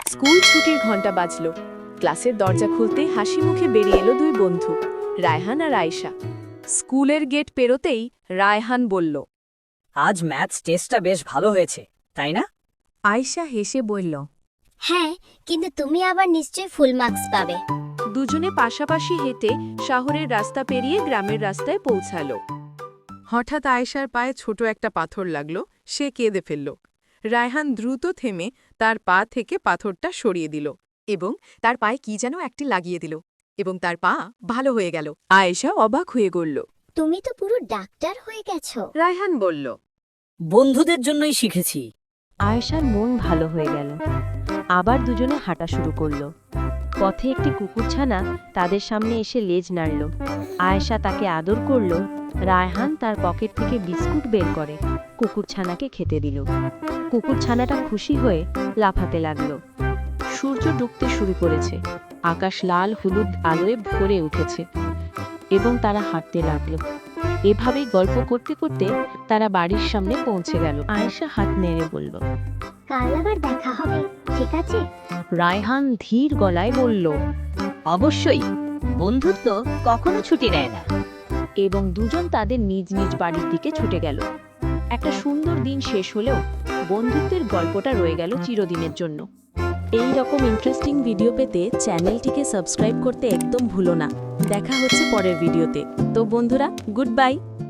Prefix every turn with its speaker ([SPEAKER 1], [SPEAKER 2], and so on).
[SPEAKER 1] School ছুটির ঘন্টা বাজল। ক্লাসের দরজা খুলতে হাসি মুখে বেরিয়ে এলো দুই বন্ধু, রায়হান আর আয়েশা। স্কুলের গেট পেরোতেই রায়হান বলল,
[SPEAKER 2] আজ ম্যাথস টেস্টটা বেশ ভালো হয়েছে, তাই না?
[SPEAKER 1] আয়েশা হেসে বলল।
[SPEAKER 3] হ্যাঁ, কিন্তু তুমি আবার নিশ্চয়ই ফুল মার্কস পাবে।
[SPEAKER 1] দুজনে পাশাপাশি হেঁটে শহরের রাস্তা পেরিয়ে গ্রামের রাস্তায় পৌঁছালো।
[SPEAKER 4] হঠাৎ আয়েশার পায়ে ছোট একটা পাথর লাগল, সে কেঁদে ফেলল। রায়হান দ্রুত থেমে তার পা থেকে পাথরটা সরিয়ে দিল এবং তার পায়ে কি যেন একটি লাগিয়ে দিল এবং তার পা ভালো হয়ে গেল।
[SPEAKER 1] আয়েশা অবাক হয়ে গড়ল।
[SPEAKER 3] তুমি তো পুরো ডাক্তার হয়ে গেছো।
[SPEAKER 1] রায়হান বলল।
[SPEAKER 2] বন্ধুদের জন্যই শিখেছি।
[SPEAKER 5] আয়েশার মন ভালো হয়ে গেল। আবার দুজনে হাঁটা শুরু করলো। পথে একটি কুকুরছানা তাদের সামনে এসে লেজ নাড়ল। আয়েশা তাকে আদর করল। রায়হান তার পকেট থেকে বিস্কুট বের করে কুকুরছানাকে খেতে দিল। কুকুরছানাটা খুশি হয়ে লাফাতে লাগলো। সূর্য ডুবতে শুরু করেছে। আকাশ লাল হলুদ আলোয় ভরে উঠেছে এবং তারা হাঁটতে লাগলো। এভাবেই গল্প করতে করতে তারা বাড়ির সামনে পৌঁছে গেল। আয়েশা হাত নেড়ে বলল,
[SPEAKER 3] কাল আবার দেখা হবে, ঠিক আছে?
[SPEAKER 5] রায়হান ধীর গলায় বলল,
[SPEAKER 2] অবশ্যই, বন্ধুত্ব কখনো ছুটি নেয় না।
[SPEAKER 5] এবং দুজন তাদের নিজ নিজ বাড়ির দিকে ছুটে গেল। একটা সুন্দর দিন শেষ হলেও বন্ধুত্বের গল্পটা রয়ে গেল চিরদিনের জন্য।
[SPEAKER 1] এই রকম ইন্টারেস্টিং ভিডিও পেতে চ্যানেলটিকে সাবস্ক্রাইব করতে একদম ভুলো না। দেখা হচ্ছে পরের ভিডিওতে। তো বন্ধুরা, গুড বাই।